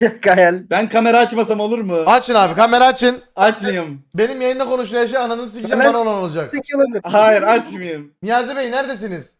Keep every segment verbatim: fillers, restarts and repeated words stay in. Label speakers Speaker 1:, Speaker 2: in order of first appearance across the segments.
Speaker 1: Gayel.
Speaker 2: Ben kamera açmasam olur mu?
Speaker 3: Açın abi, kamera açın.
Speaker 2: Açmayayım.
Speaker 3: Benim yayında konuşulan şey ananı sikeceğim,
Speaker 1: Ben-
Speaker 3: bana olan olacak.
Speaker 1: Peki olabilir.
Speaker 2: Hayır açmayayım.
Speaker 3: Niyazi Bey neredesiniz?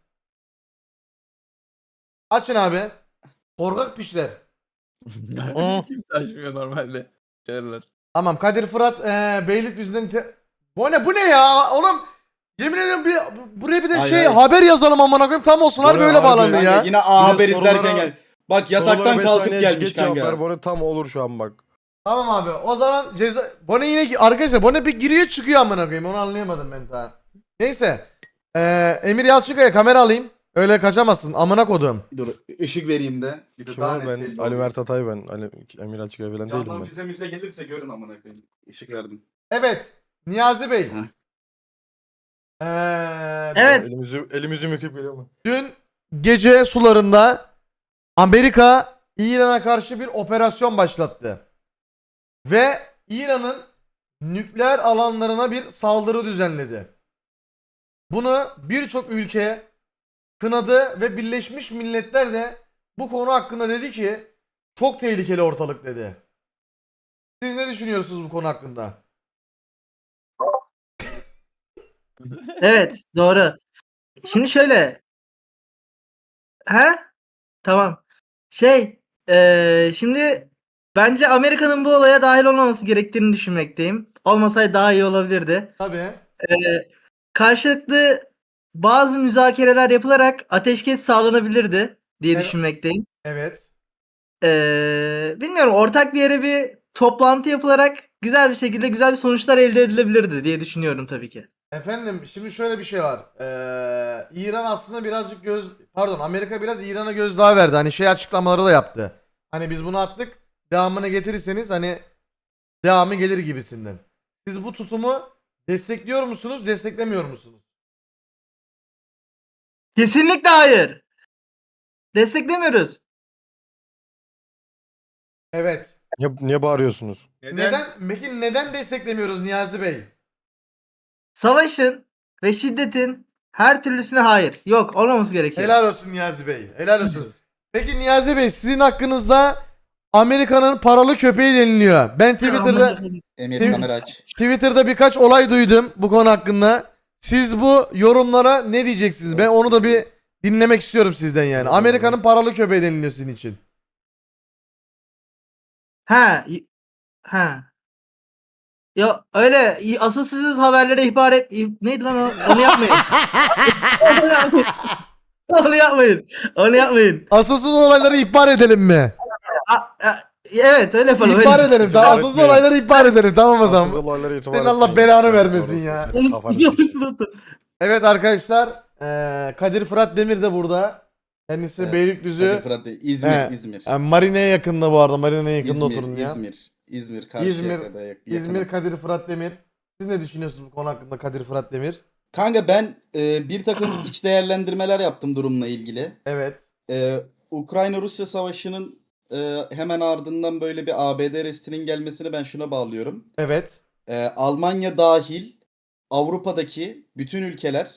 Speaker 3: Açın abi. Korkak pişler.
Speaker 4: Kimse açmıyor normalde. Şeyler.
Speaker 3: Tamam, Kadir Fırat eee Beylikdüzü'nden te- Bu ne bu ne ya oğlum? Yemin ediyorum bir buraya bir de
Speaker 2: Hayır,
Speaker 3: şey
Speaker 2: hayır.
Speaker 3: haber yazalım amına koyayım, tam olsun harbi
Speaker 5: Oraya
Speaker 3: öyle
Speaker 5: harbi
Speaker 3: bağlandı
Speaker 2: Kanka
Speaker 3: ya.
Speaker 2: yine A Haber
Speaker 5: sorulara-
Speaker 2: izlerken gel. Bak yataktan
Speaker 5: Sorulara beş
Speaker 2: kalkıp
Speaker 5: saniye
Speaker 2: gelmiş
Speaker 5: geç cevap ver,
Speaker 2: kanka.
Speaker 5: bana tam olur şu an bak.
Speaker 3: Tamam abi, o zaman ceza Bone yine arkadaşlar Bone bir giriyor çıkıyor amına koyayım, onu anlayamadım ben daha. Neyse. Eee Emir Yalçınkaya kamera alayım. Öyle kaçamazsın amına kodum.
Speaker 2: Dur ışık vereyim de. Bir de
Speaker 5: Kim
Speaker 2: daha
Speaker 5: o?
Speaker 2: net
Speaker 5: Ben
Speaker 2: belli
Speaker 5: Ali
Speaker 2: olur.
Speaker 5: Mert Atay ben. Ali Emir Açıkaya falan değilim
Speaker 2: Candan
Speaker 5: ben.
Speaker 2: füze müze gelirse görün amına koyayım. Işık verdim.
Speaker 3: Evet. Niyazi Bey.
Speaker 2: Heh.
Speaker 3: Eee
Speaker 1: Evet.
Speaker 5: Elimizi, elimizi müküp geliyor mu?
Speaker 3: Dün gece sularında Amerika İran'a karşı bir operasyon başlattı. Ve İran'ın nükleer alanlarına bir saldırı düzenledi. Bunu birçok ülke kınadı ve Birleşmiş Milletler de bu konu hakkında dedi ki çok tehlikeli ortalık dedi. Siz ne düşünüyorsunuz bu konu hakkında?
Speaker 1: Evet, doğru. Şimdi şöyle. He? Tamam. Şey, eee, şimdi bence Amerika'nın bu olaya dahil olmaması gerektiğini düşünmekteyim. Olmasaydı daha iyi olabilirdi.
Speaker 3: Tabii.
Speaker 1: Eee, karşılıklı bazı müzakereler yapılarak ateşkes sağlanabilirdi diye
Speaker 3: Evet.
Speaker 1: düşünmekteyim.
Speaker 3: Evet.
Speaker 1: Eee, bilmiyorum, ortak bir yere bir toplantı yapılarak güzel bir şekilde güzel bir sonuçlar elde edilebilirdi diye düşünüyorum tabii ki.
Speaker 3: Efendim şimdi şöyle bir şey var. Ee, İran aslında birazcık göz pardon Amerika biraz İran'a gözdağı verdi. Hani şey açıklamaları da yaptı. Hani biz bunu attık. Devamını getirirseniz hani devamı gelir gibisinden. Siz bu tutumu destekliyor musunuz, desteklemiyor musunuz?
Speaker 1: Kesinlikle hayır. Desteklemiyoruz.
Speaker 3: Evet.
Speaker 5: Niye, niye bağırıyorsunuz?
Speaker 3: Neden? Peki neden desteklemiyoruz Niyazi Bey?
Speaker 1: Savaşın ve şiddetin her türlüsüne hayır. Yok, olmaması gerekiyor.
Speaker 3: Helal olsun Niyazi Bey. Helal olsun. Peki Niyazi Bey sizin hakkınızda Amerika'nın paralı köpeği deniliyor. Ben Twitter'da
Speaker 2: Emir
Speaker 3: Değil mi?
Speaker 2: kamera aç.
Speaker 3: Twitter'da birkaç olay duydum bu konu hakkında. Siz bu yorumlara ne diyeceksiniz? Ben onu da bir dinlemek istiyorum sizden yani. Amerika'nın paralı köpeği deniliyor sizin için.
Speaker 1: Ha, y- ha. Ya öyle y- asılsız haberlere ihbar et. i- Neydi lan o? Onu yapmayın. Onu yapmayın. Onu yapmayın. Onu yapmayın.
Speaker 3: Asılsız olayları ihbar edelim mi?
Speaker 1: A- a- evet, öyle yapalım.
Speaker 3: İhbar
Speaker 1: öyle.
Speaker 3: edelim. Tamam,
Speaker 5: İhbar
Speaker 3: asılsız
Speaker 5: etmeyin.
Speaker 3: olayları ihbar edelim. Tamam o
Speaker 5: Asıl
Speaker 3: zaman.
Speaker 5: olaylara itibar
Speaker 3: Senin Allah
Speaker 5: etmeyin.
Speaker 3: belanı
Speaker 5: Yani
Speaker 3: vermesin
Speaker 5: orası
Speaker 3: ya.
Speaker 5: senin kafanı sikeyim.
Speaker 3: Evet arkadaşlar. eee, Kadir Fırat Demir de burada. Kendisi
Speaker 2: Evet,
Speaker 3: Beylikdüzü.
Speaker 2: Kadir Fırat değil, İzmir,
Speaker 3: He,
Speaker 2: İzmir.
Speaker 3: Yani Marine'ye yakında bu arada. Marine'ye yakında
Speaker 2: İzmir,
Speaker 3: oturun ya.
Speaker 2: İzmir, İzmir,
Speaker 3: İzmir,
Speaker 2: Karşıyaka'da yak-
Speaker 3: İzmir
Speaker 2: yakınım.
Speaker 3: Kadir Fırat Demir. Siz ne düşünüyorsunuz bu konu hakkında Kadir Fırat Demir?
Speaker 2: Kanka ben e, bir takım iç değerlendirmeler yaptım durumla ilgili.
Speaker 3: Evet.
Speaker 2: E, Ukrayna-Rusya savaşının e, hemen ardından böyle bir A B D restinin gelmesini ben şuna bağlıyorum.
Speaker 3: Evet.
Speaker 2: E, Almanya dahil Avrupa'daki bütün ülkeler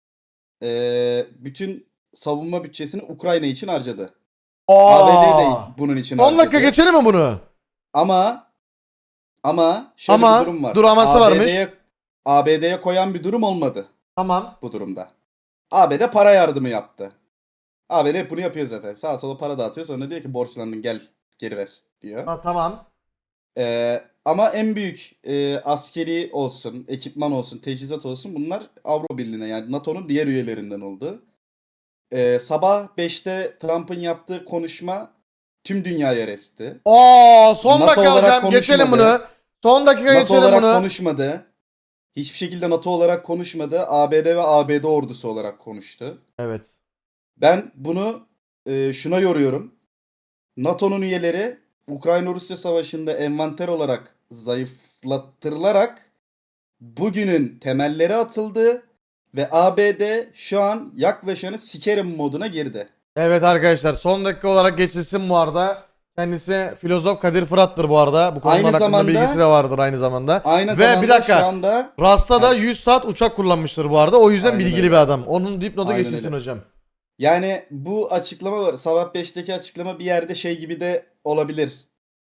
Speaker 2: e, bütün savunma bütçesini Ukrayna için harcadı. A B D de bunun için
Speaker 3: on dakika
Speaker 2: harcadı.
Speaker 3: geçelim mi bunu?
Speaker 2: Ama ama şöyle
Speaker 3: Ama,
Speaker 2: bir durum var.
Speaker 3: dur aması varmış.
Speaker 2: A B D'ye koyan bir durum olmadı
Speaker 3: Tamam.
Speaker 2: bu durumda. A B D para yardımı yaptı. A B D hep bunu yapıyor zaten. Sağa sola para dağıtıyor, sonra diyor ki borçlandın gel geri ver diyor.
Speaker 3: Ha, tamam.
Speaker 2: Ee, ama en büyük e, askeri olsun, ekipman olsun, teçhizat olsun bunlar Avrupa Birliği'ne yani NATO'nun diğer üyelerinden oldu. Ee, sabah beşte Trump'ın yaptığı konuşma tüm dünyaya resti.
Speaker 3: Oo, son
Speaker 2: NATO
Speaker 3: dakika
Speaker 2: olarak
Speaker 3: hocam geçelim
Speaker 2: konuşmadı.
Speaker 3: bunu. Son dakika
Speaker 2: NATO
Speaker 3: geçelim
Speaker 2: olarak
Speaker 3: bunu.
Speaker 2: konuşmadı. Hiçbir şekilde NATO olarak konuşmadı. A B D ve A B D ordusu olarak konuştu.
Speaker 3: Evet.
Speaker 2: Ben bunu e, şuna yoruyorum. NATO'nun üyeleri Ukrayna-Rusya savaşında envanter olarak zayıflattırılarak bugünün temelleri atıldı ve A B D şu an yaklaşanı sikerim moduna girdi.
Speaker 3: Evet arkadaşlar son dakika olarak geçilsin bu arada. Kendisi filozof Kadir Fırat'tır bu arada. Bu konular
Speaker 2: Aynı
Speaker 3: hakkında
Speaker 2: zamanda-
Speaker 3: bilgisi de vardır aynı zamanda.
Speaker 2: Aynı
Speaker 3: Ve
Speaker 2: zamanda
Speaker 3: bir dakika.
Speaker 2: şu anda
Speaker 3: Rasta da
Speaker 2: Evet.
Speaker 3: yüz saat uçak kullanmıştır bu arada. O yüzden
Speaker 2: Aynen
Speaker 3: bilgili
Speaker 2: öyle.
Speaker 3: bir adam. Onun dipnotu
Speaker 2: Aynen
Speaker 3: geçilsin
Speaker 2: öyle.
Speaker 3: hocam.
Speaker 2: yani bu açıklama var. Sabah beşteki açıklama bir yerde şey gibi de olabilir.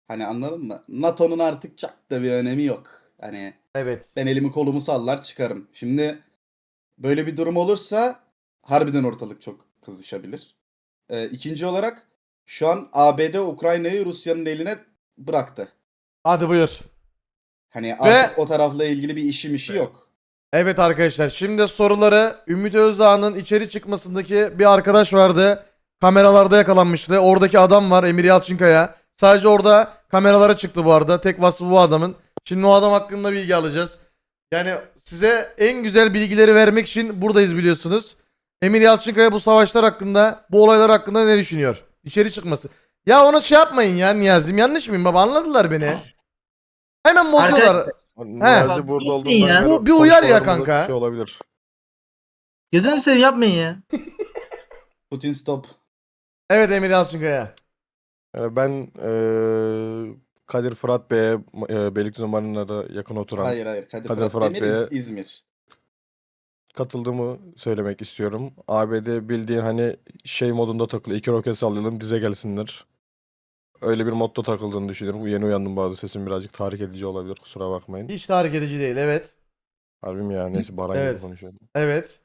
Speaker 2: Hani anladın mı? NATO'nun artık çok da bir önemi yok. Hani
Speaker 3: Evet.
Speaker 2: ben elimi kolumu sallar çıkarım. Şimdi böyle bir durum olursa harbiden ortalık çok kızışabilir. Ee, ikinci olarak şu an A B D Ukrayna'yı Rusya'nın eline bıraktı.
Speaker 3: Hadi buyur.
Speaker 2: Hani artık o tarafla ilgili bir işi mişi yok.
Speaker 3: Evet arkadaşlar, şimdi soruları Ümit Özdağ'ın içeri çıkmasındaki bir arkadaş vardı. Kameralarda yakalanmıştı. Oradaki adam var, Emir Yalçınkaya. Sadece orada kameralara çıktı bu arada. Tek vasfı bu adamın. Şimdi o adam hakkında bilgi alacağız. Yani size en güzel bilgileri vermek için buradayız biliyorsunuz. Emir Yalçınkaya bu savaşlar hakkında, bu olaylar hakkında ne düşünüyor? İçeri çıkması. Ya ona şey yapmayın ya Niyazim, yanlış mıyım baba, anladılar beni. Hemen bozdular.
Speaker 1: Arkadaşlar-
Speaker 5: Niyazi burada
Speaker 1: Yapmayın
Speaker 5: olduğundan
Speaker 1: ya.
Speaker 5: beri
Speaker 3: Bu bir uyar ya
Speaker 5: konuşmalarımızda
Speaker 3: kanka.
Speaker 5: Şey olabilir.
Speaker 1: Gözünü seveyim yapmayın ya.
Speaker 2: Putin stop.
Speaker 3: Evet Emir Yalçınkaya.
Speaker 5: Yani ben eee Kadir Fırat Bey'e e, Beylikdüzü Marina'da yakın oturan
Speaker 2: Hayır hayır. Kadir,
Speaker 5: Kadir
Speaker 2: Fırat,
Speaker 5: Fırat
Speaker 2: Demir,
Speaker 5: Bey'e-
Speaker 2: İz- İzmir.
Speaker 5: katıldığımı söylemek istiyorum. A B D bildiğin hani şey modunda takılıyor. İki roket sallayalım bize gelsinler. Öyle bir modda takıldığını düşünüyorum. Bu yeni uyandım, bazı sesim birazcık tahrik edici olabilir, kusura bakmayın.
Speaker 3: Hiç tahrik edici değil, evet.
Speaker 5: Harbim ya, neyse Baran
Speaker 3: Evet.
Speaker 5: gibi konuşuyorum.
Speaker 3: Evet.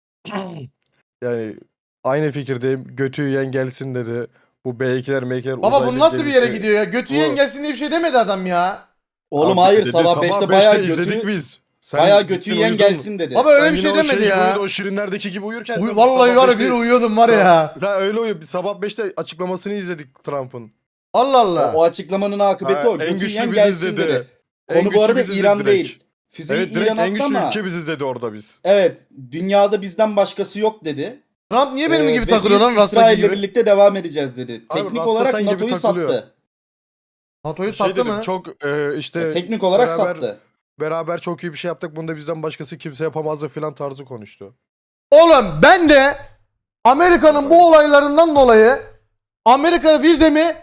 Speaker 5: Yani aynı fikirdeyim. Götü yiyen gelsin dedi. Bu B ikiler M ikiler
Speaker 3: Baba bu
Speaker 5: uzaylı
Speaker 3: nasıl bir yere
Speaker 5: gemisi-
Speaker 3: gidiyor ya? Götü
Speaker 5: Bu-
Speaker 3: yiyen gelsin diye bir şey demedi adam ya.
Speaker 2: Oğlum
Speaker 5: Abi
Speaker 2: hayır
Speaker 5: dedi,
Speaker 2: sabah beşte
Speaker 5: beşte
Speaker 2: bayağı
Speaker 5: izledik
Speaker 2: götü,
Speaker 5: biz. Sen
Speaker 2: bayağı
Speaker 5: gittin
Speaker 2: götü yiyen
Speaker 5: uyudun mu?
Speaker 2: gelsin dedi.
Speaker 3: Baba öyle
Speaker 5: Sen
Speaker 3: bir
Speaker 5: yine
Speaker 3: şey
Speaker 5: o
Speaker 3: demedi
Speaker 5: gibi
Speaker 3: ya.
Speaker 5: uyudu, o şirinlerdeki gibi uyurken.
Speaker 3: Uy,
Speaker 5: sen
Speaker 3: vallahi
Speaker 5: sabah
Speaker 3: var ya
Speaker 5: beşte
Speaker 3: bir uyuyordum var ya.
Speaker 5: Sen öyle uyu. Sabah beşte açıklamasını izledik Trump'ın.
Speaker 3: Allah
Speaker 2: O,
Speaker 3: Allah.
Speaker 2: o açıklamanın akıbeti
Speaker 5: Ha,
Speaker 2: o.
Speaker 5: en
Speaker 2: Götü
Speaker 5: güçlü
Speaker 2: yiyen
Speaker 5: biziz
Speaker 2: gelsin
Speaker 5: dedi.
Speaker 2: dedi.
Speaker 5: En
Speaker 2: Konu bu
Speaker 5: güçlü
Speaker 2: arada
Speaker 5: biziz
Speaker 2: İran
Speaker 5: direkt.
Speaker 2: değil. Füzeyi
Speaker 5: Evet, direkt
Speaker 2: İran
Speaker 5: en
Speaker 2: attı
Speaker 5: güçlü
Speaker 2: ama
Speaker 5: ülke biziz dedi orada biz.
Speaker 2: evet dünyada bizden başkası yok dedi.
Speaker 3: Trump niye benim
Speaker 2: Ee,
Speaker 3: gibi
Speaker 2: ve
Speaker 3: takılıyor
Speaker 2: biz
Speaker 3: lan Rasta
Speaker 2: İsrail'le
Speaker 3: gibi?
Speaker 2: birlikte devam edeceğiz dedi.
Speaker 5: Abi,
Speaker 2: Teknik
Speaker 5: Rasta
Speaker 2: olarak
Speaker 5: sen gibi
Speaker 2: NATO'yu
Speaker 5: takılıyor.
Speaker 2: sattı.
Speaker 3: NATO'yu
Speaker 5: Şey
Speaker 3: sattı
Speaker 5: dedim,
Speaker 3: mı?
Speaker 5: çok e, işte
Speaker 2: Ya, teknik olarak
Speaker 5: beraber,
Speaker 2: sattı.
Speaker 5: beraber çok iyi bir şey yaptık. Bunda bizden başkası kimse yapamazdı filan tarzı konuştu.
Speaker 3: Oğlum ben de Amerika'nın bu olaylarından dolayı Amerika vizemi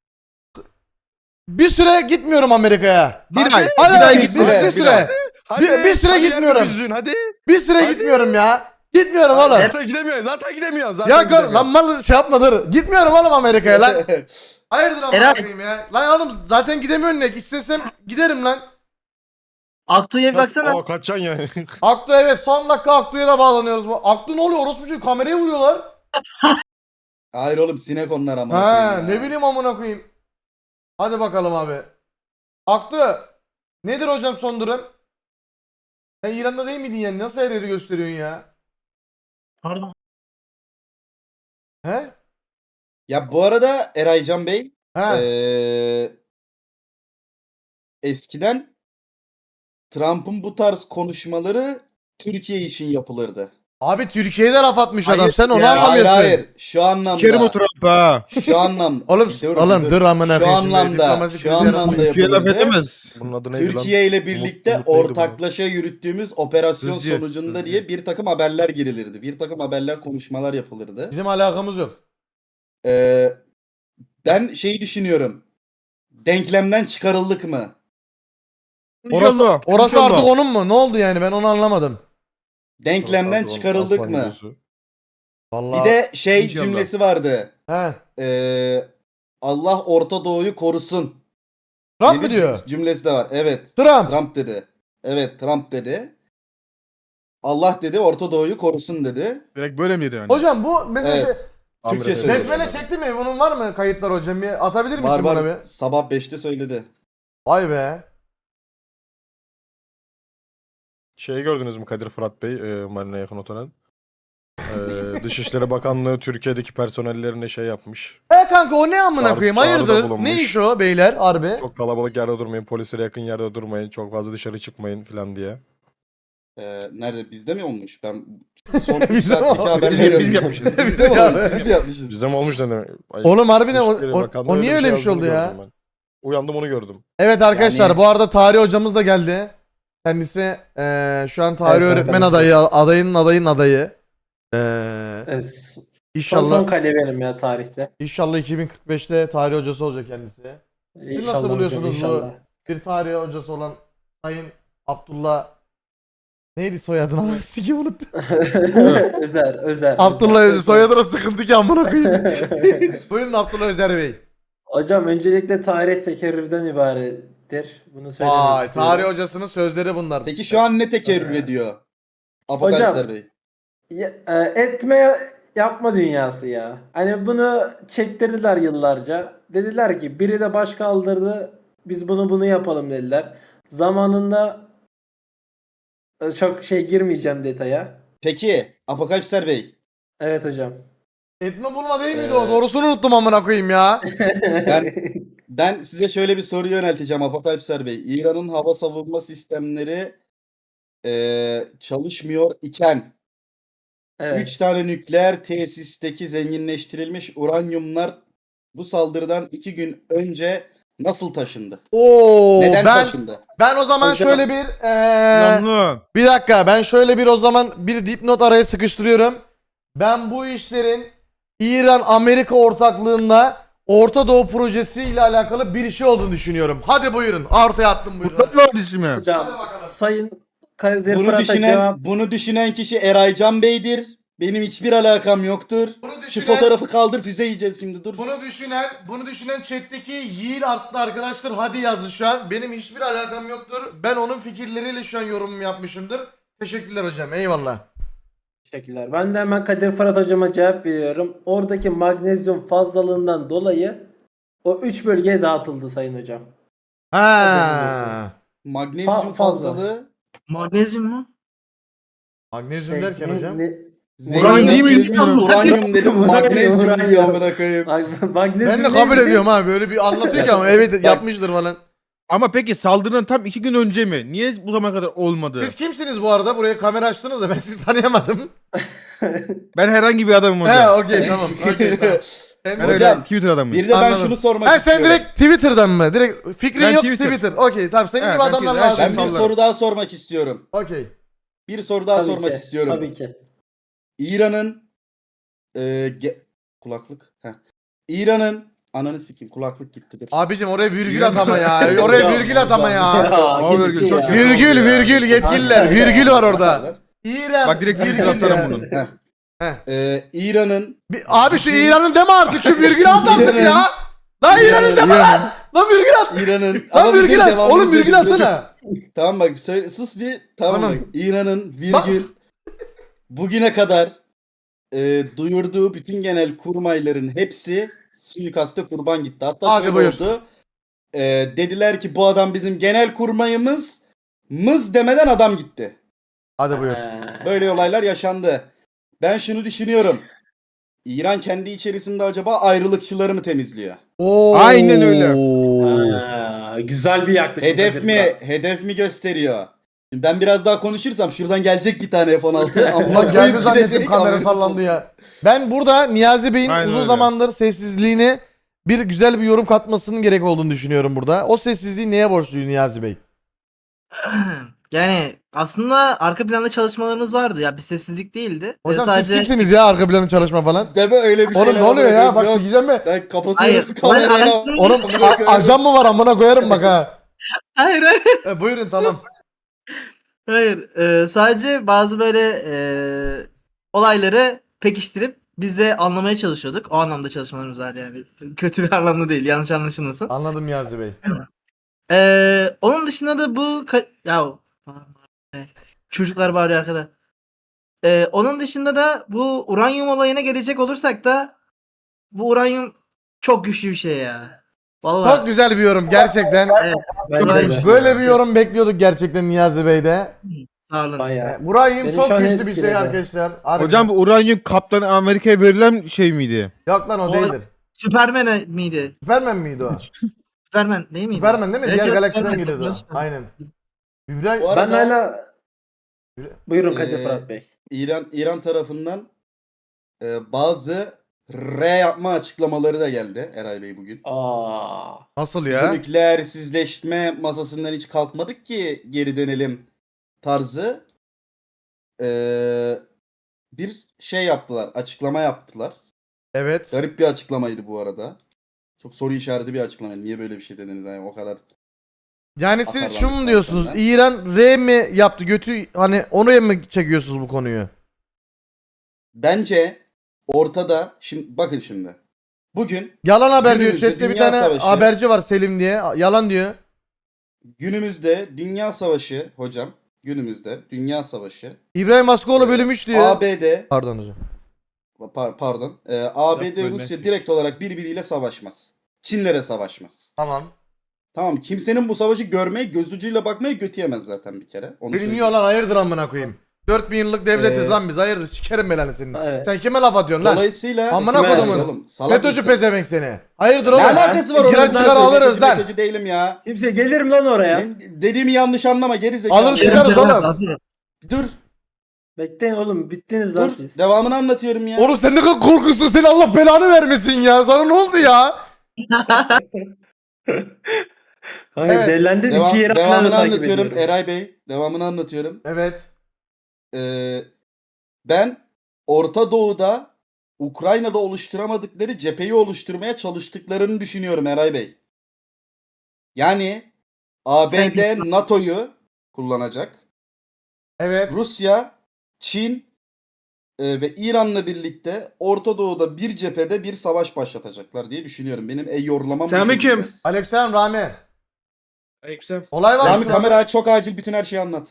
Speaker 3: bir süre gitmiyorum Amerika'ya.
Speaker 5: Bir ay,
Speaker 3: Hadi
Speaker 2: bir ay
Speaker 3: bir,
Speaker 2: gitsin.
Speaker 3: bir, bir
Speaker 2: Bir
Speaker 3: süre.
Speaker 2: ay.
Speaker 5: Hadi,
Speaker 3: Bir- bir süre
Speaker 5: hadi
Speaker 3: gitmiyorum.
Speaker 5: yer yüzün, hadi.
Speaker 3: Bir süre
Speaker 5: Hadi.
Speaker 3: gitmiyorum ya. Gitmiyorum oğlum.
Speaker 5: Zaten gidemiyorsun. Zaten gidemiyorsun. Zaten
Speaker 3: Ya kar,
Speaker 5: gidemiyorsun.
Speaker 3: lan mal şey yapma dur. Gitmiyorum oğlum Amerika'ya lan. Hayırdır amına
Speaker 1: Eray.
Speaker 3: koyayım ya. Lan oğlum zaten gidemiyorum ne? İstesem giderim lan.
Speaker 1: Aktu'ya bir baksana.
Speaker 5: O kaçacaksın yani.
Speaker 3: Aktu evet son dakika Aktu'ya da bağlanıyoruz. Bu Aktu ne oluyor? Orospucu kameraya vuruyorlar.
Speaker 2: Hayır oğlum sinek onlar ama.
Speaker 3: Ha ne bileyim amına koyayım. Hadi bakalım abi. Aktu nedir hocam son durum? Sen İran'da değil miydin yani? Nasıl her yeri gösteriyorsun ya?
Speaker 1: Pardon.
Speaker 3: He?
Speaker 2: Ya bu arada Eraycan Bey
Speaker 3: He.
Speaker 2: eee, eskiden Trump'ın bu tarz konuşmaları Türkiye için yapılırdı.
Speaker 3: Abi Türkiye'de laf atmış adam.
Speaker 5: Hayır
Speaker 3: Sen onu
Speaker 5: ya.
Speaker 2: Hayır
Speaker 3: anlamıyorsun.
Speaker 2: hayır şu anlamda.
Speaker 5: Sikerim o Trump'ı ha.
Speaker 2: Şu anlamda.
Speaker 3: Oğlum
Speaker 2: Bir dur,
Speaker 3: oğlum
Speaker 2: bir
Speaker 3: dur amına
Speaker 2: Şu
Speaker 3: koyayım şimdi.
Speaker 2: anlamda,
Speaker 3: Diplomasi
Speaker 2: şu
Speaker 3: krizi
Speaker 2: anlamda
Speaker 3: yaratma.
Speaker 5: Türkiye laf
Speaker 2: yapılırdı.
Speaker 5: edemez. Bunun adı neydi lan?
Speaker 2: Türkiye ile birlikte
Speaker 5: Umut- Umut neydi bu?
Speaker 2: ortaklaşa yürüttüğümüz operasyon
Speaker 5: Hızcı,
Speaker 2: sonucunda
Speaker 5: hızcı.
Speaker 2: diye bir takım haberler girilirdi. Bir takım haberler, konuşmalar yapılırdı.
Speaker 3: Bizim alakamız yok.
Speaker 2: Ee, ben şeyi düşünüyorum. Denklemden çıkarıldık mı?
Speaker 3: Orası, orası artık onun mu? Ne oldu yani? Ben onu anlamadım.
Speaker 2: Denklemden
Speaker 5: Aslan
Speaker 2: çıkarıldık
Speaker 5: gibi
Speaker 2: mı?
Speaker 5: gözü.
Speaker 3: Vallahi.
Speaker 2: Bir de şey
Speaker 5: İnşallah.
Speaker 2: cümlesi vardı.
Speaker 3: He.
Speaker 2: Ee, Allah Orta Doğu'yu korusun.
Speaker 3: Trump
Speaker 2: diye
Speaker 3: mı
Speaker 2: bir
Speaker 3: diyor?
Speaker 2: Cümlesi de var. Evet.
Speaker 3: Trump.
Speaker 2: Trump dedi. Evet Trump dedi. Allah dedi Orta Doğu'yu korusun dedi.
Speaker 5: Direkt böyle miydi yani?
Speaker 3: Hocam bu mesela
Speaker 2: Evet.
Speaker 3: şey,
Speaker 2: Türkçe
Speaker 5: Amerika'da.
Speaker 2: söylüyor.
Speaker 3: besmele çekti mi? Bunun var mı kayıtlar hocam? Bir atabilir misin
Speaker 2: Var
Speaker 3: bana
Speaker 2: var.
Speaker 3: bir?
Speaker 2: Sabah beşte söyledi.
Speaker 3: Vay be.
Speaker 5: Şeyi gördünüz mü Kadir Fırat Bey, e, Marina'ya yakın oturan? E, Dışişleri Bakanlığı Türkiye'deki personellerine şey yapmış.
Speaker 3: E kanka o ne amına
Speaker 5: Çağrı-
Speaker 3: koyayım?
Speaker 5: çağrıda
Speaker 3: Hayırdır?
Speaker 5: bulunmuş.
Speaker 3: Ne iş o beyler harbi?
Speaker 5: Çok kalabalık yerde durmayın, polislere yakın yerde durmayın, çok fazla dışarı çıkmayın falan diye.
Speaker 2: Ee, nerede? Bizde mi olmuş? Ben son üç
Speaker 3: Bizde mi
Speaker 2: saatteki
Speaker 3: olmuş?
Speaker 2: haberleri
Speaker 5: Biz
Speaker 2: yapmışız.
Speaker 3: Bizde
Speaker 2: Bizde mi
Speaker 3: mi
Speaker 2: olmuş?
Speaker 3: abi?
Speaker 2: Biz mi yapmışız?
Speaker 5: Bizde mi olmuş ne demek? Ay,
Speaker 3: Oğlum harbiden o,
Speaker 5: Dışişleri
Speaker 3: o,
Speaker 5: Bakanlığı
Speaker 3: o niye öyle bir şey
Speaker 5: yazdığını
Speaker 3: oldu ya?
Speaker 5: gördüm ben. Uyandım onu gördüm.
Speaker 3: Evet arkadaşlar
Speaker 2: Yani-
Speaker 3: bu arada tarih hocamız da geldi. Kendisi eee, şu an tarih
Speaker 6: Evet,
Speaker 3: öğretmen
Speaker 6: ben de-
Speaker 3: adayı, adayının adayın adayı. Eee
Speaker 6: Evet, son,
Speaker 3: inşallah
Speaker 6: son kale benim ya tarihte.
Speaker 3: inşallah iki bin kırk beşte tarih hocası olacak kendisi.
Speaker 6: İnşallah
Speaker 3: nasıl
Speaker 6: hocam,
Speaker 3: buluyorsunuz bu?
Speaker 6: inşallah.
Speaker 3: Bir tarih hocası olan Sayın Abdullah neydi soyadını ama sikim unuttum.
Speaker 6: Özer, Özer.
Speaker 3: Abdullah
Speaker 6: Özer.
Speaker 3: Özer soyadına sıkıntı ki amına koyayım. Buyurun Abdullah Özer Bey.
Speaker 6: Hocam öncelikle tarih tekerrürden ibarettir. Bunu söylemek
Speaker 3: Vay,
Speaker 6: istiyorum.
Speaker 3: tarih hocasının sözleri bunlar.
Speaker 2: Peki şu an ne tekerrür ediyor? Apokalipser Bey.
Speaker 6: Ya- e, etme yapma dünyası ya. Hani bunu çektirdiler yıllarca. Dediler ki biri de baş kaldırdı. Biz bunu bunu yapalım dediler. Zamanında e, çok şey girmeyeceğim detaya.
Speaker 2: Peki Apokalipser Bey.
Speaker 6: Evet hocam.
Speaker 3: Etme bulma değil miydi
Speaker 2: Ee,
Speaker 3: o? Doğrusunu unuttum amına koyayım ya.
Speaker 2: Ben ben size şöyle bir soru yönelteceğim Apokalipser Bey. İran'ın hava savunma sistemleri eee, çalışmıyor iken
Speaker 6: Evet.
Speaker 2: üç tane nükleer tesisteki zenginleştirilmiş uranyumlar bu saldırıdan iki gün önce nasıl taşındı?
Speaker 3: Oo,
Speaker 2: Neden
Speaker 3: ben
Speaker 2: taşındı?
Speaker 3: ben o zaman
Speaker 2: Hocam.
Speaker 3: şöyle bir eee, bir dakika, ben şöyle bir o zaman bir dipnot araya sıkıştırıyorum. Ben bu işlerin İran-Amerika ortaklığında Orta Doğu projesi ile alakalı bir şey olduğunu düşünüyorum. Hadi buyurun. Ortaya attım buyurun.
Speaker 6: Hocam Sayın Kadir
Speaker 2: Bunu
Speaker 6: Fırat'a
Speaker 2: düşünen
Speaker 6: cevap
Speaker 2: bunu düşünen kişi Eraycan Bey'dir. Benim hiçbir alakam yoktur.
Speaker 3: Bunu
Speaker 2: Şu
Speaker 3: düşünen-
Speaker 2: fotoğrafı kaldır, füze yiyeceğiz şimdi, dur.
Speaker 3: Bunu düşünen, bunu düşünen chat'teki Yiğit adlı arkadaşlar hadi yazdı şu an. Benim hiçbir alakam yoktur. Ben onun fikirleriyle şu an yorumumu yapmışımdır. Teşekkürler hocam. Eyvallah.
Speaker 6: teşekkürler. Ben de hemen Kadir Fırat hocama cevap veriyorum. Oradaki magnezyum fazlalığından dolayı o üç bölgeye dağıtıldı sayın hocam.
Speaker 3: Ha.
Speaker 2: Magnezyum
Speaker 6: Fa- fazla.
Speaker 2: fazlalığı
Speaker 1: Magnezyum mu?
Speaker 3: Magnezyum
Speaker 6: Şey,
Speaker 3: derken
Speaker 6: ne-
Speaker 3: hocam.
Speaker 6: ne-
Speaker 1: Uranyum
Speaker 2: zenginleştirilmiş
Speaker 1: değil mi?
Speaker 2: uranyum dedim,
Speaker 6: Uranyum,
Speaker 2: magnezyum
Speaker 6: uranyum.
Speaker 2: diyor amına koyayım.
Speaker 6: Mag- magnezyum
Speaker 3: Ben de kabul
Speaker 6: neydi?
Speaker 3: ediyorum abi. Böyle bir anlatıyor ki ama evet yapmıştır falan.
Speaker 4: Ama peki saldırının tam iki gün önce mi? Niye bu zamana kadar olmadı?
Speaker 3: Siz kimsiniz bu arada? Buraya kamera açtınız da ben sizi tanıyamadım.
Speaker 4: Ben herhangi bir adamım hocam.
Speaker 3: He okey tamam. Okey tamam. Sen
Speaker 4: Ben
Speaker 3: de-
Speaker 2: Hocam,
Speaker 4: öyle Twitter adamıyım.
Speaker 2: Bir de ben
Speaker 3: Anladım.
Speaker 2: şunu sormak
Speaker 3: Ha
Speaker 2: istiyorum.
Speaker 3: sen direkt Twitter'dan mı? Direkt fikrin
Speaker 4: Ben
Speaker 3: yok
Speaker 4: Twitter.
Speaker 3: Twitter. Okey tamam senin
Speaker 4: He,
Speaker 3: gibi
Speaker 4: ben
Speaker 3: adamlar
Speaker 4: Twitter, her
Speaker 3: lazım.
Speaker 2: Ben bir
Speaker 4: sallarım.
Speaker 2: soru daha sormak istiyorum.
Speaker 3: Okey.
Speaker 2: Bir soru daha
Speaker 6: Tabii
Speaker 2: sormak
Speaker 6: ki,
Speaker 2: istiyorum.
Speaker 6: Tabii ki.
Speaker 2: İran'ın e, ge- kulaklık. Heh. İran'ın ananı sikeyim, kulaklık gitti dur.
Speaker 3: Abicim oraya virgül atama ya. Oraya
Speaker 6: Hocam,
Speaker 3: virgül atama ya.
Speaker 4: Aa,
Speaker 6: gidişi
Speaker 4: virgül, çok
Speaker 6: ya.
Speaker 4: kötü.
Speaker 3: Virgül
Speaker 4: Ya.
Speaker 3: virgül yetkililer. Virgül var orada. İran.
Speaker 4: Bak direkt Twitter
Speaker 3: virgül
Speaker 4: atarım
Speaker 3: ya.
Speaker 4: bunun.
Speaker 2: Heh.
Speaker 3: Heh.
Speaker 2: E, İran'ın
Speaker 3: Bir- abi şu İran'ın deme artık şu virgülü at artık
Speaker 2: İran'ın-
Speaker 3: ya. Lan İran'ın deme lan. Lan virgül at.
Speaker 2: İran'ın
Speaker 3: Lan
Speaker 2: Ama bir
Speaker 3: virgül at.
Speaker 2: devamını
Speaker 3: Oğlum virgül
Speaker 2: söyleyeyim.
Speaker 3: atsana.
Speaker 2: Tamam bak söyle, sus bir tamam,
Speaker 3: Tamam.
Speaker 2: bak. İran'ın virgül bugüne kadar e, duyurduğu bütün genel kurmayların hepsi suikaste kurban gitti. Hatta
Speaker 3: Hadi
Speaker 2: şöyle
Speaker 3: buyur.
Speaker 2: oldu. E, dediler ki bu adam bizim genel kurmayımız mız demeden adam gitti.
Speaker 3: Hadi buyur.
Speaker 6: Ee,
Speaker 2: Böyle olaylar yaşandı. Ben şunu düşünüyorum. İran kendi içerisinde acaba ayrılıkçıları mı temizliyor?
Speaker 3: Oo.
Speaker 4: Aynen öyle.
Speaker 6: Aa, güzel bir yaklaşım.
Speaker 2: Hedef
Speaker 6: Kadir
Speaker 2: mi?
Speaker 6: Fırat.
Speaker 2: Hedef mi gösteriyor? Şimdi ben biraz daha konuşursam şuradan gelecek bir tane F on altı. Ama
Speaker 3: Ulan geldi zannettim kamera sallandı ya. Ben burada Niyazi Bey'in
Speaker 4: Aynen
Speaker 3: uzun
Speaker 4: öyle.
Speaker 3: zamandır sessizliğine bir güzel bir yorum katmasının gerek olduğunu düşünüyorum burada. O sessizliği neye borçluyuz Niyazi Bey?
Speaker 1: Yani aslında arka planda çalışmalarımız vardı ya, bir sessizlik değildi. Ee,
Speaker 3: Hocam
Speaker 1: sadece
Speaker 3: siz kimsiniz ya arka planı çalışma falan?
Speaker 2: Sizde mi öyle bir
Speaker 3: Oğlum
Speaker 2: şeyler
Speaker 3: ne oluyor ya?
Speaker 2: oluyor?
Speaker 3: Bak
Speaker 2: Yok,
Speaker 3: sikeceğim mi?
Speaker 2: ben kapatıyorum
Speaker 1: Hayır,
Speaker 2: kamerayı.
Speaker 1: ben
Speaker 2: ya.
Speaker 1: araştırma-
Speaker 3: Oğlum a- ajan mı var amına koyarım bak ha.
Speaker 1: hayır hayır.
Speaker 3: E, buyurun tamam.
Speaker 1: Hayır. Ee, sadece bazı böyle e, olayları pekiştirip biz de anlamaya çalışıyorduk. O anlamda çalışmalarımız vardı yani. Kötü bir anlamda değil. Yanlış anlaşılmasın.
Speaker 3: Anladım Niyazi Bey.
Speaker 1: Ee, onun dışında da bu ka- ya çocuklar bağırıyor arkada. Ee, onun dışında da bu uranyum olayına gelecek olursak da bu uranyum çok güçlü bir şey ya. Vallahi.
Speaker 3: Çok güzel bir yorum gerçekten.
Speaker 1: Evet.
Speaker 6: Bence de.
Speaker 3: Böyle bir yorum bekliyorduk gerçekten Niyazi Bey'de.
Speaker 1: Sağ olun.
Speaker 6: Bayağı.
Speaker 3: E, Burayım
Speaker 6: Beni
Speaker 3: çok
Speaker 6: şu an
Speaker 3: güçlü bir şey
Speaker 6: etkiledi.
Speaker 3: arkadaşlar. Harbiden.
Speaker 4: Hocam bu uranyum Kaptan Amerika'ya verilen şey miydi?
Speaker 3: Yok lan o
Speaker 1: O-
Speaker 3: değildir.
Speaker 1: Süpermen miydi?
Speaker 3: Süpermen miydi o?
Speaker 1: Süpermen değil miydi?
Speaker 3: Süpermen değil mi?
Speaker 1: Evet,
Speaker 3: Diğer
Speaker 1: evet,
Speaker 3: galaksiden
Speaker 1: Süpermen.
Speaker 3: geliyordu.
Speaker 1: Yanlış mı?
Speaker 3: Aynen. İbrahim
Speaker 2: Bu
Speaker 6: Ben
Speaker 2: arada-
Speaker 6: hala... Buyurun Kadir
Speaker 2: Ee,
Speaker 6: Fırat Bey.
Speaker 2: İran İran tarafından e, bazı R yapma açıklamaları da geldi Eray Bey bugün.
Speaker 6: Aa.
Speaker 3: nasıl
Speaker 2: Biz
Speaker 3: ya?
Speaker 2: nükleersizleşme masasından hiç kalkmadık ki geri dönelim tarzı Ee, bir şey yaptılar, açıklama yaptılar.
Speaker 3: Evet.
Speaker 2: Garip bir açıklamaydı bu arada. Çok soru işareti bir açıklama. Niye böyle bir şey dediniz yani o kadar?
Speaker 3: Yani siz
Speaker 2: Atarlandıktan
Speaker 3: şunu mu diyorsunuz?
Speaker 2: sonra.
Speaker 3: İran R mi yaptı götü hani onu mı çekiyorsunuz bu konuyu?
Speaker 2: Bence ortada şimdi bakın şimdi. Bugün
Speaker 3: Yalan haber diyor.
Speaker 2: Günümüzde
Speaker 3: Chat'te bir
Speaker 2: Dünya
Speaker 3: tane
Speaker 2: Savaşı.
Speaker 3: haberci var Selim diye. Yalan diyor.
Speaker 2: günümüzde Dünya Savaşı hocam. Günümüzde Dünya Savaşı.
Speaker 3: İbrahim Askoğlu
Speaker 2: Ee,
Speaker 3: bölüm üç diyor.
Speaker 2: A B D
Speaker 3: Pardon hocam.
Speaker 2: pa- pardon. Ee, A B D
Speaker 4: Yapmayın,
Speaker 2: Rusya
Speaker 4: neyse.
Speaker 2: direkt olarak birbiriyle savaşmaz. Çinlere savaşmaz.
Speaker 3: Tamam.
Speaker 2: Tamam, kimsenin bu savaşı görmeye, göz ucuyla bakmaya götü yemez zaten bir kere. Onu
Speaker 3: Bilmiyor
Speaker 2: söyleyeyim.
Speaker 3: lan hayırdır amına koyayım. dört bin yıllık devletiz
Speaker 2: Ee,
Speaker 3: lan biz. Hayırdır sikerim belanı senin.
Speaker 6: Evet.
Speaker 3: Sen kime laf atıyorsun lan?
Speaker 2: Dolayısıyla
Speaker 3: Amına
Speaker 6: Kime
Speaker 3: kodumun.
Speaker 2: oğlum, salak
Speaker 3: FETÖ'cü
Speaker 2: mısın?
Speaker 3: pezevenk seni. Hayırdır
Speaker 2: Ne
Speaker 3: oğlum?
Speaker 2: alakası var
Speaker 3: Girer
Speaker 2: onun?
Speaker 3: çıkar alırız lan.
Speaker 2: FETÖ'cü değilim ya.
Speaker 6: Kimse gelirim lan oraya.
Speaker 2: Ben dediğimi yanlış anlama, geri zekalı.
Speaker 3: Alırız
Speaker 1: Kerem,
Speaker 3: çıkarız
Speaker 1: Kerem,
Speaker 3: oğlum.
Speaker 1: afiyet.
Speaker 2: Dur,
Speaker 6: Bekleyin oğlum bittiniz lan
Speaker 2: dur.
Speaker 6: siz.
Speaker 2: Devamını anlatıyorum ya.
Speaker 3: Oğlum sen ne kadar korkusun, seni Allah belanı vermesin ya. Sana ne oldu ya?
Speaker 6: Kanka
Speaker 3: Evet.
Speaker 6: delendim
Speaker 2: Devam,
Speaker 6: iki yere aynı anda
Speaker 2: devamını
Speaker 6: takip
Speaker 2: anlatıyorum
Speaker 6: ediyorum.
Speaker 2: Eray Bey. Devamını anlatıyorum.
Speaker 3: Evet.
Speaker 2: Ee, ben Orta Doğu'da Ukrayna'da oluşturamadıkları cepheyi oluşturmaya çalıştıklarını düşünüyorum Eray Bey. Yani A B D NATO'yu kullanacak.
Speaker 3: Evet.
Speaker 2: Rusya, Çin e, ve İran'la birlikte Orta Doğu'da bir cephede bir savaş başlatacaklar diye düşünüyorum. Benim ey yorlamam bu
Speaker 7: Selamünaleyküm.
Speaker 2: şekilde.
Speaker 3: Aleykümselam Rami.
Speaker 7: Aleykümselam.
Speaker 3: Olay var mı?
Speaker 2: Rami
Speaker 3: sana?
Speaker 2: kamera çok acil, bütün her şeyi anlat.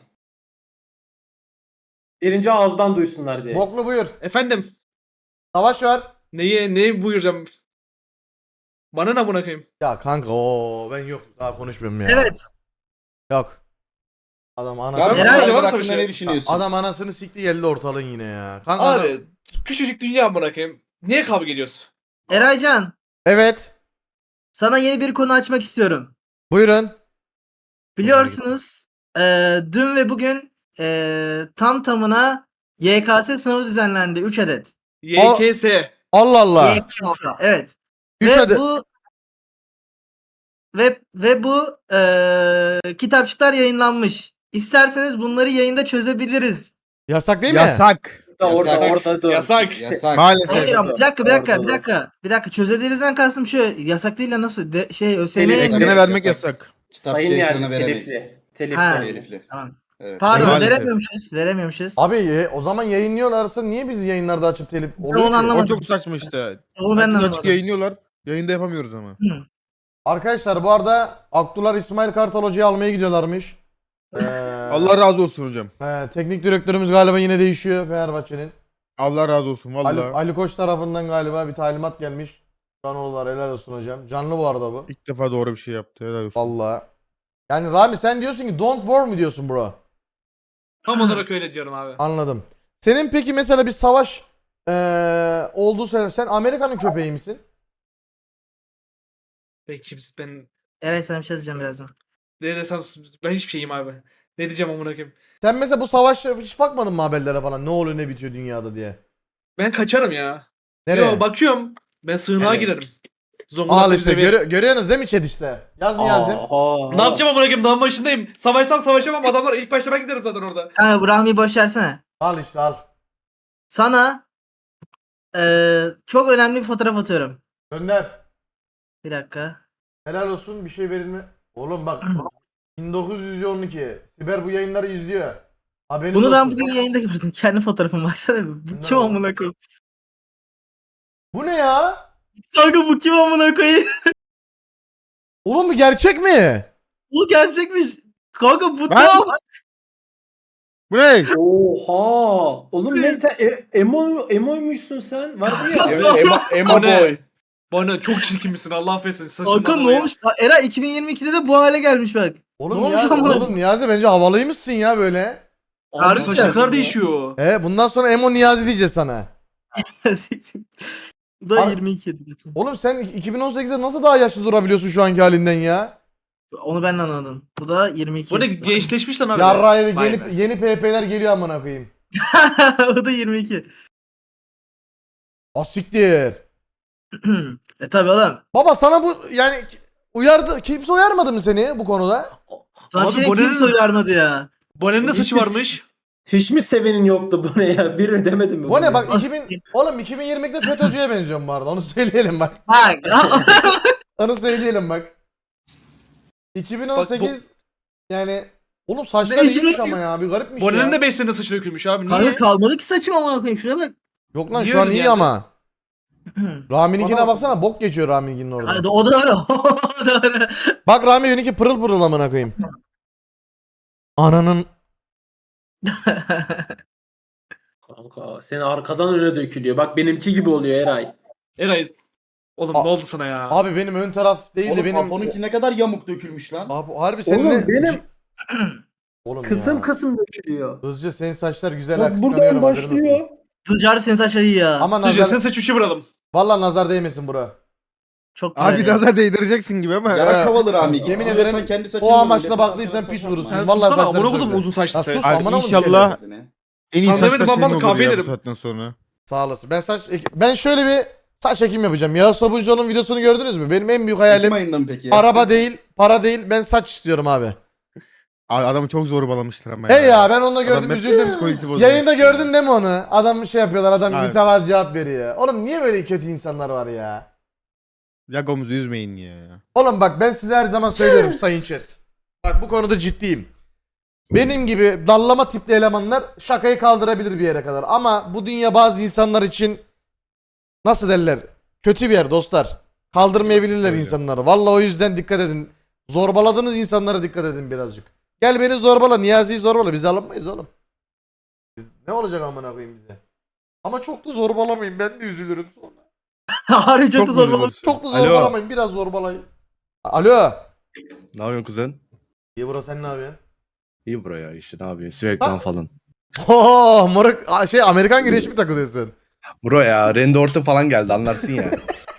Speaker 6: Birinci ağızdan duysunlar diye.
Speaker 3: Boklu buyur.
Speaker 7: Efendim.
Speaker 3: Savaş var.
Speaker 7: Neyi neyi buyuracağım? Bana ne buna koyayım?
Speaker 3: Ya kanka o ben yok daha konuşmuyorum ya.
Speaker 1: Evet.
Speaker 3: Yok. Adam ana
Speaker 2: Rami
Speaker 7: Eray-
Speaker 2: Eray
Speaker 7: Eray-
Speaker 2: hakkında ne düşünüyorsun?
Speaker 3: adam anasını sikti geldi ortalığın yine ya. Kanka adam-
Speaker 7: Abi küçücük dünya buna koyayım. Niye kavga ediyoruz?
Speaker 1: Eraycan,
Speaker 3: Evet.
Speaker 1: sana yeni bir konu açmak istiyorum.
Speaker 3: Buyurun.
Speaker 1: Biliyorsunuz eee, dün ve bugün eee, tam tamına Y K S sınavı düzenlendi. üç adet.
Speaker 7: Y K S.
Speaker 3: Allah Allah.
Speaker 1: Y K S, evet.
Speaker 3: Üç
Speaker 1: ve
Speaker 3: adet.
Speaker 1: bu ve ve bu eee, kitapçıklar yayınlanmış. İsterseniz bunları yayında çözebiliriz.
Speaker 3: Yasak değil mi?
Speaker 4: Yasak.
Speaker 6: Orada
Speaker 2: Yasak.
Speaker 6: orada dur.
Speaker 7: Yasak.
Speaker 2: Yasak.
Speaker 4: Maalesef.
Speaker 1: Hayır ama bir dakika bir dakika
Speaker 2: Orada
Speaker 1: bir
Speaker 2: da.
Speaker 1: dakika. Bir dakika çözebilirizden kastım şu. Yasak değil de nasıl? De, şey ÖSYM'ye
Speaker 6: Telif-
Speaker 1: yayınlanıyor.
Speaker 4: Ekrana vermek
Speaker 2: Yasak.
Speaker 4: yasak.
Speaker 2: Kitapçı
Speaker 6: Sayın
Speaker 2: ekrana
Speaker 6: yani
Speaker 2: veremeyiz.
Speaker 6: telifli. Telifli.
Speaker 1: Ha.
Speaker 2: Telifli.
Speaker 1: Tamam.
Speaker 2: Evet.
Speaker 1: Pardon
Speaker 4: Maalesef.
Speaker 1: veremiyormuşuz. Veremiyormuşuz.
Speaker 3: Abi ye- o zaman yayınlıyorlarsa niye biz yayınlarda açıp telif
Speaker 1: onu
Speaker 3: oluyor ki?
Speaker 1: anlamadım.
Speaker 4: O çok saçma işte.
Speaker 1: Onu ben de
Speaker 4: Herkes açık
Speaker 1: anlamadım.
Speaker 4: yayınlıyorlar. Yayında yapamıyoruz ama.
Speaker 3: Arkadaşlar bu arada Aktular İsmail Kartal Hoca'yı almaya gidiyorlarmış. Ee,
Speaker 4: Allah razı olsun hocam.
Speaker 3: he, teknik direktörümüz galiba yine değişiyor Fenerbahçe'nin.
Speaker 4: Allah razı olsun
Speaker 3: Ali,
Speaker 4: vallahi.
Speaker 3: Ali Koç tarafından galiba bir talimat gelmiş. Canoğullar helal olsun hocam. Canlı bu arada bu.
Speaker 4: İlk defa doğru bir şey yaptı. Helal olsun.
Speaker 3: Vallahi. Yani Rami sen diyorsun ki don't war mu diyorsun bro?
Speaker 7: Tam olarak öyle diyorum abi.
Speaker 3: Anladım. Senin peki mesela bir savaş eee olduğu sene sen Amerika'nın köpeği misin?
Speaker 7: Peki biz ben
Speaker 1: Eray sana bir şey diyeceğim birazdan.
Speaker 7: ne desem ben hiçbir şeyim abi. Ne diyeceğim amına koyayım?
Speaker 3: Sen mesela bu savaş hiç bakmadın mı haberlere falan ne oluyor ne bitiyor dünyada diye?
Speaker 7: Ben kaçarım ya.
Speaker 3: Nereye?
Speaker 7: Yo bakıyorum. Ben sığınağa
Speaker 6: Yani-
Speaker 7: girerim.
Speaker 3: Al
Speaker 7: Zonguldak'ta
Speaker 3: işte
Speaker 7: bize bir-
Speaker 3: görü- görüyorsunuz değil mi chat işte? Yaz mı yazayım?
Speaker 6: Aha.
Speaker 7: Ne yapacağım amına koyayım? Dağın başındayım. Savaşsam savaşamam. Adamlar ilk başta ben giderim zaten orada.
Speaker 1: Kanka bu Rahmi'yi boş versene.
Speaker 3: Al işte al.
Speaker 1: Sana eee, çok önemli bir fotoğraf atıyorum.
Speaker 3: Gönder.
Speaker 1: Bir dakika.
Speaker 3: Helal olsun bir şey verilme. Oğlum bak bin dokuz yüz on iki. Siber bu yayınları izliyor. Haberiniz
Speaker 1: Bunu ben
Speaker 3: olsun.
Speaker 1: bugün yayında gördüm. Kendi fotoğrafım baksana bir. Bu
Speaker 3: Ne
Speaker 1: kim
Speaker 3: o?
Speaker 1: amına koyayım?
Speaker 3: Bu ne ya?
Speaker 1: Kanka bu kim amına koyayım?
Speaker 3: Oğlum bu gerçek mi?
Speaker 1: Bu gerçekmiş. Kanka bu
Speaker 4: Ben-
Speaker 1: tam.
Speaker 4: Bu ne?
Speaker 6: Oha. Oğlum ne sen e, emo emoymuşsun sen? Vardı ya.
Speaker 1: Nasıl?
Speaker 2: Evet, Emo, Emo
Speaker 7: O ne?
Speaker 2: Boy.
Speaker 7: Bana çok çirkinmişsin Allah affetsin. Saçından
Speaker 1: Kanka ne
Speaker 7: dolayı.
Speaker 1: olmuş? Aa, Era iki bin yirmi ikide de bu hale gelmiş bak.
Speaker 3: Oğlum
Speaker 1: Ne olmuş
Speaker 3: Niyazi,
Speaker 1: amına
Speaker 3: oğlum Niyazi bence havalıymışsın ya böyle.
Speaker 7: Abi
Speaker 1: Harbiden.
Speaker 7: saçlar değişiyor.
Speaker 3: E bundan sonra Emo Niyazi diyeceğiz sana.
Speaker 1: Bu da
Speaker 3: Ar-
Speaker 1: yirmi iki zaten.
Speaker 3: Oğlum sen iki bin on sekizde nasıl daha yaşlı durabiliyorsun şu anki halinden ya?
Speaker 1: Onu ben de anladım. Bu da yirmi iki.
Speaker 7: Bu ne gençleşmiş lan abi.
Speaker 3: Yarraydı
Speaker 7: Vay
Speaker 3: yeni,
Speaker 7: be.
Speaker 3: yeni P P'ler geliyor amına koyayım.
Speaker 1: O da yirmi iki.
Speaker 3: Asiktir.
Speaker 1: e tabi oğlum.
Speaker 3: Baba sana bu yani uyardı kimse uyarmadı mı seni bu konuda?
Speaker 1: Sana bir
Speaker 7: Abi
Speaker 1: şey
Speaker 7: bu ne?
Speaker 1: kimse uyarmadı ya.
Speaker 7: Bone'nin de saçı
Speaker 6: Hiçbir-
Speaker 7: varmış.
Speaker 6: Hiç mi sevenin yoktu bu ne ya? Biri demedim mi?
Speaker 3: Bu ne
Speaker 6: bunu?
Speaker 3: bak
Speaker 1: Asiktir.
Speaker 3: iki bin oğlum iki bin yirmide FETÖ'cüye benziyorum bu arada onu söyleyelim bak.
Speaker 1: Bak.
Speaker 3: Onu söyleyelim bak. iki bin on sekiz yani oğlum saçlar
Speaker 1: Ne,
Speaker 3: iyiymiş
Speaker 1: iki bin-
Speaker 3: ama ya bir garipmiş
Speaker 7: Bone'nin
Speaker 3: ya.
Speaker 7: de beş sene saçı dökülmüş abi.
Speaker 1: Kanka
Speaker 7: Niye?
Speaker 1: kalmadı ki saçım amına koyayım. Şuna bak.
Speaker 3: Yok lan
Speaker 7: Niye
Speaker 3: şu an
Speaker 7: öyle
Speaker 3: iyi
Speaker 7: Niyazi?
Speaker 3: ama. Rami'ninkine baksana, bok geçiyor Rami'ninkinin orada.
Speaker 1: Hadi o doğru. O doğru.
Speaker 3: Bak Rami'ninki pırıl pırıl amına koyayım. Ananın
Speaker 6: Kanka senin arkadan öne dökülüyor. Bak benimki gibi oluyor Eray.
Speaker 7: Eray. Oğlum
Speaker 3: A-
Speaker 7: ne oldu sana ya?
Speaker 3: abi benim ön taraf değil de
Speaker 2: Oğlum
Speaker 3: benim
Speaker 2: Apo'nunki ne kadar yamuk dökülmüş lan.
Speaker 3: Abi harbi senin
Speaker 6: Oğlum
Speaker 3: ne-
Speaker 6: benim
Speaker 3: Oğlum
Speaker 6: kısım
Speaker 3: ya.
Speaker 6: kısım dökülüyor.
Speaker 3: Hızlıca senin saçlar güzel,
Speaker 2: Bak
Speaker 3: kıskanıyorum,
Speaker 2: buradan
Speaker 3: haberin olsun.
Speaker 2: başlıyor.
Speaker 1: Tıcari senin saçları iyi ya.
Speaker 3: Ama
Speaker 7: Hızlıca sen
Speaker 3: nazar,
Speaker 7: saç uçu vuralım.
Speaker 3: valla nazar değmesin bura.
Speaker 1: Çok güzel.
Speaker 4: Abi
Speaker 1: ya.
Speaker 4: nazar değdireceksin gibi ama.
Speaker 2: Yarak havalı Rami. Git
Speaker 3: Yemin
Speaker 2: Yemin
Speaker 3: ederim,
Speaker 2: kendi saçını
Speaker 3: o
Speaker 2: vur,
Speaker 3: amaçla
Speaker 2: milletin
Speaker 3: baktıysan
Speaker 2: saçına
Speaker 3: piç
Speaker 2: saç
Speaker 3: vurursun.
Speaker 2: yapma.
Speaker 7: Sen
Speaker 3: Vallahi
Speaker 7: sussana,
Speaker 3: saçları
Speaker 7: amına
Speaker 3: çok
Speaker 7: kodum
Speaker 3: güzel.
Speaker 7: uzun saçlı
Speaker 3: Ya
Speaker 7: sen.
Speaker 3: sus,
Speaker 4: Abi
Speaker 3: amına koyayım
Speaker 4: inşallah
Speaker 2: Seni.
Speaker 4: en iyi
Speaker 7: Sana
Speaker 4: saçlar
Speaker 7: demedim,
Speaker 4: senin
Speaker 7: babam
Speaker 4: olur
Speaker 7: kahve
Speaker 4: ya bu
Speaker 7: ederim.
Speaker 4: saatten sonra.
Speaker 3: Sağ olasın. Ben saç ben şöyle bir saç ekim yapacağım. Yağız Sabuncuoğlu'nun videosunu gördünüz mü? Benim en büyük
Speaker 2: Ekim
Speaker 3: hayalim
Speaker 2: ayında mı peki?
Speaker 3: araba değil, para değil. Ben saç istiyorum abi.
Speaker 4: Abi adamı çok zorbalamışlar ama
Speaker 3: Hey ya, ben onu da
Speaker 4: Adam
Speaker 3: gördüm,
Speaker 4: hep
Speaker 3: üzüldüm.
Speaker 4: psikolojisi bozulmuş
Speaker 3: Yayında
Speaker 4: ya.
Speaker 3: gördün değil mi onu? Adam şey yapıyorlar, adam
Speaker 4: Abi.
Speaker 3: mütevazı cevap veriyor. Oğlum niye böyle kötü insanlar var ya?
Speaker 4: Yagomuzu üzmeyin ya.
Speaker 3: Oğlum bak, ben size her zaman söylüyorum sayın chat. Bak bu konuda ciddiyim. Benim gibi dallama tipli elemanlar şakayı kaldırabilir bir yere kadar. Ama bu dünya bazı insanlar için nasıl derler? Kötü bir yer dostlar. Kaldırmayabilirler
Speaker 4: Öyle.
Speaker 3: insanları. Vallahi o yüzden dikkat edin. Zorbaladığınız insanlara dikkat edin birazcık. Gel beni zorbala, Niyazi'yi zorbala. Biz alınmayız oğlum. Biz, ne olacak amına koyayım bize? Ama çok da zorbalamayın, ben de üzülürüm sonra.
Speaker 1: Harbi çok,
Speaker 4: Çok
Speaker 1: da zor
Speaker 4: üzülürsün.
Speaker 1: olur.
Speaker 3: Çok da
Speaker 5: Alo.
Speaker 3: zorbalamayın, biraz zorbalayın. Alo.
Speaker 5: Ne yapıyorsun kuzen?
Speaker 3: İyi bro, sen ne yapıyorsun?
Speaker 5: İyi buraya işte ne yapıyorsun? Sürekli falan.
Speaker 3: Oh moruk, Aa, şey Amerikan güreşi mi takılıyorsun?
Speaker 5: Bro ya Randy Orton falan geldi anlarsın ya.